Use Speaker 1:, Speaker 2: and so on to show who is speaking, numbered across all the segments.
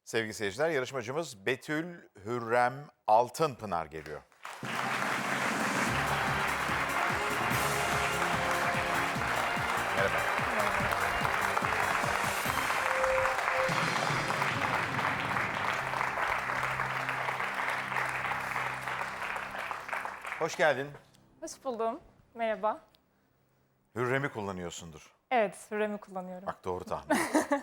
Speaker 1: Sevgili seyirciler, yarışmacımız Betül Hürrem Altınpınar geliyor. Merhaba. Hoş geldin.
Speaker 2: Hoş buldum. Merhaba.
Speaker 1: Hürrem'i kullanıyorsundur.
Speaker 2: Evet, Hürrem'i kullanıyorum.
Speaker 1: Bak doğru tahmin.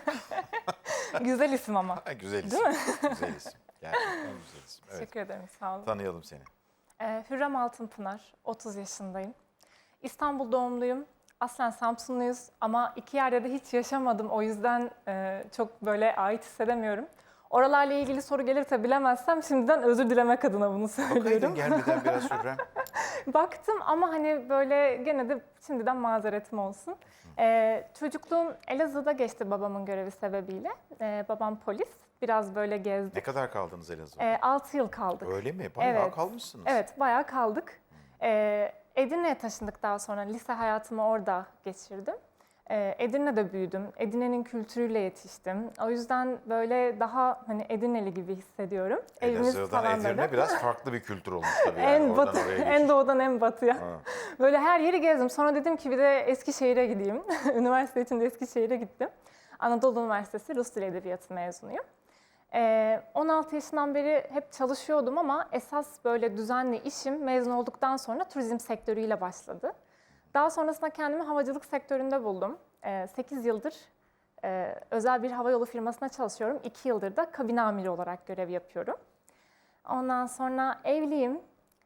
Speaker 2: Güzel isim ama.
Speaker 1: Güzel isim.
Speaker 2: Değil mi?
Speaker 1: Güzel isim. Gerçekten güzel isim. Evet.
Speaker 2: Teşekkür ederim, sağ olun.
Speaker 1: Tanıyalım seni.
Speaker 2: Hürrem Altınpınar, 30 yaşındayım. İstanbul doğumluyum. Aslen Samsunluyuz ama iki yerde de hiç yaşamadım. O yüzden çok böyle ait hissedemiyorum. Oralarla ilgili soru gelirse bilemezsem şimdiden özür dilemek adına bunu
Speaker 1: Bakaydın
Speaker 2: söylüyorum.
Speaker 1: gelmeden biraz Hürrem.
Speaker 2: Baktım ama hani böyle gene de şimdiden mazeretim olsun. Çocukluğum Elazığ'da geçti babamın görevi sebebiyle. Babam polis. Biraz böyle gezdik.
Speaker 1: Ne kadar kaldınız Elazığ'da?
Speaker 2: 6 yıl kaldık.
Speaker 1: Öyle mi? Bayağı
Speaker 2: Evet.
Speaker 1: kalmışsınız.
Speaker 2: Evet, bayağı kaldık. Edirne'ye taşındık daha sonra. Lise hayatımı orada geçirdim. Edirne'de büyüdüm. Edirne'nin kültürüyle yetiştim. O yüzden böyle daha hani Edirneli gibi hissediyorum.
Speaker 1: Elazığ'dan Edirne biraz farklı bir kültür olmuş tabii. Yani.
Speaker 2: En
Speaker 1: Oradan
Speaker 2: batı,
Speaker 1: oraya
Speaker 2: en
Speaker 1: geçiş.
Speaker 2: doğudan en batıya.
Speaker 1: Ha.
Speaker 2: Böyle her yeri gezdim. Sonra dedim ki bir de Eskişehir'e gideyim. Üniversite için de Eskişehir'e gittim. Anadolu Üniversitesi Rus Dili Edebiyatı mezunuyum. 16 yaşından beri hep çalışıyordum ama esas böyle düzenli işim mezun olduktan sonra turizm sektörüyle başladı. Daha sonrasında kendimi havacılık sektöründe buldum. 8 yıldır özel bir havayolu firmasına çalışıyorum. 2 yıldır da kabin amiri olarak görev yapıyorum. Ondan sonra evliyim.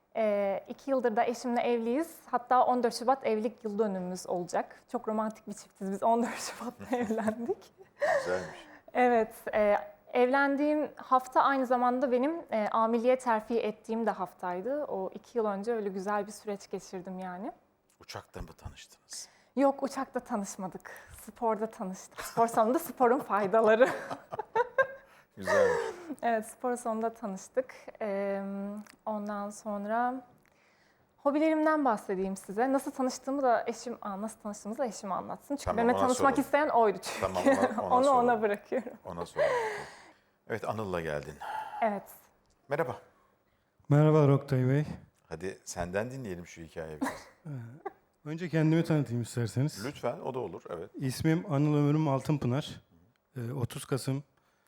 Speaker 2: 2 yıldır da eşimle evliyiz. Hatta 14 Şubat evlilik yıl dönümümüz olacak. Çok romantik bir çiftiz biz. 14 Şubat'ta evlendik.
Speaker 1: Güzelmiş.
Speaker 2: Evet, evlendiğim hafta aynı zamanda benim amiliye terfi ettiğim de haftaydı. O 2 yıl önce öyle güzel bir süreç geçirdim yani.
Speaker 1: Uçakta mı tanıştınız?
Speaker 2: Yok, uçakta tanışmadık. Sporda tanıştık. Spor salonunda sporun faydaları.
Speaker 1: Güzelmiş.
Speaker 2: Evet, spor salonunda tanıştık. Ondan sonra hobilerimden bahsedeyim size. Nasıl tanıştığımı da eşim anlatsın. Çünkü
Speaker 1: Tamam,
Speaker 2: benimle
Speaker 1: ona
Speaker 2: tanışmak
Speaker 1: soralım.
Speaker 2: isteyen oydu çünkü.
Speaker 1: Tamam, ona
Speaker 2: Onu
Speaker 1: soralım.
Speaker 2: ona bırakıyorum.
Speaker 1: Ona soralım. Evet, Anıl'la geldin.
Speaker 2: Evet.
Speaker 1: Merhaba.
Speaker 3: Merhaba Oktay Bey.
Speaker 1: Hadi senden dinleyelim şu hikayeyi biraz.
Speaker 3: Önce kendimi tanıtayım isterseniz.
Speaker 1: Lütfen, o da olur. Evet.
Speaker 3: İsmim Anıl Ömürüm Altınpınar. 30 Kasım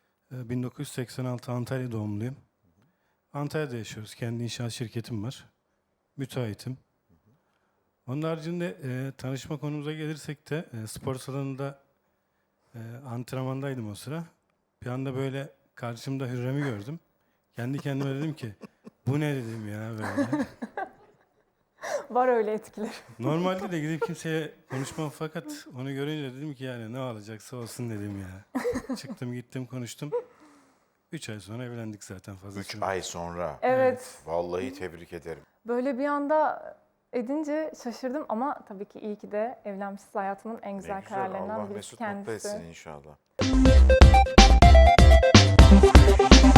Speaker 3: 1986 Antalya doğumluyum. Antalya'da yaşıyoruz. Kendi inşaat şirketim var. Müteahhitim. Onun haricinde tanışma konumuza gelirsek de spor salonunda antrenmandaydım o sıra. Bir anda böyle karşımda Hürrem'i gördüm. Kendi kendime dedim ki bu ne dedim ya böyle.
Speaker 2: Var öyle etkiler.
Speaker 3: Normalde de gidip kimseye konuşmam fakat onu görünce dedim ki yani ne alacaksa olsun dedim ya. Çıktım gittim konuştum. 3 ay sonra evlendik zaten fazla
Speaker 1: 3
Speaker 3: süre.
Speaker 1: ay sonra.
Speaker 2: Evet.
Speaker 1: Vallahi tebrik ederim.
Speaker 2: Böyle bir anda edince şaşırdım ama tabii ki iyi ki de evlenmişiz. Hayatımın en
Speaker 1: Ne
Speaker 2: güzel
Speaker 1: güzel.
Speaker 2: kararlarından
Speaker 1: Allah
Speaker 2: birisi
Speaker 1: mesut mutlu
Speaker 2: kendisi.
Speaker 1: etsin inşallah.